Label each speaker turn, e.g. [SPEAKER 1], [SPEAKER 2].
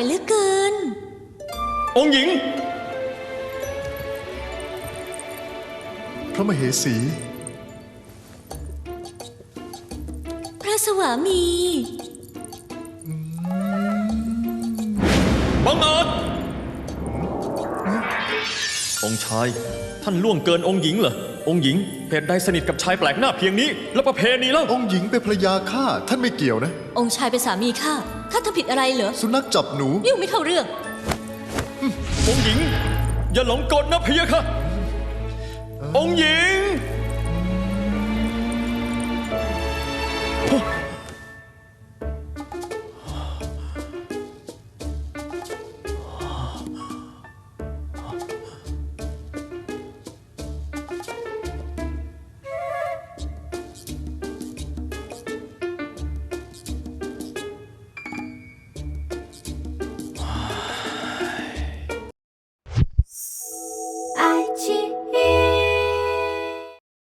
[SPEAKER 1] เหลือเกิน
[SPEAKER 2] องค์หญิง
[SPEAKER 3] พระมเหสี
[SPEAKER 1] พระสวามี
[SPEAKER 2] บังอาจองค์ชายท่านล่วงเกินองค์หญิงเหรอองค์หญิงเหตุใดสนิทกับชายแปลกหน้าเพียงนี้แล้วประเพณีเล่า
[SPEAKER 3] องค์หญิงเป็นภรรยาข้าท่านไม่เกี่ยวนะ
[SPEAKER 1] องค์ชายเป็นสามีข้าทำผิดอะไรเหรอ
[SPEAKER 3] สุนัขจับหนู
[SPEAKER 1] ยุ่งไม่เข้าเรื่อง
[SPEAKER 2] องค์หญิงอย่าหลงกลนะพะยะค่ะองค์หญิง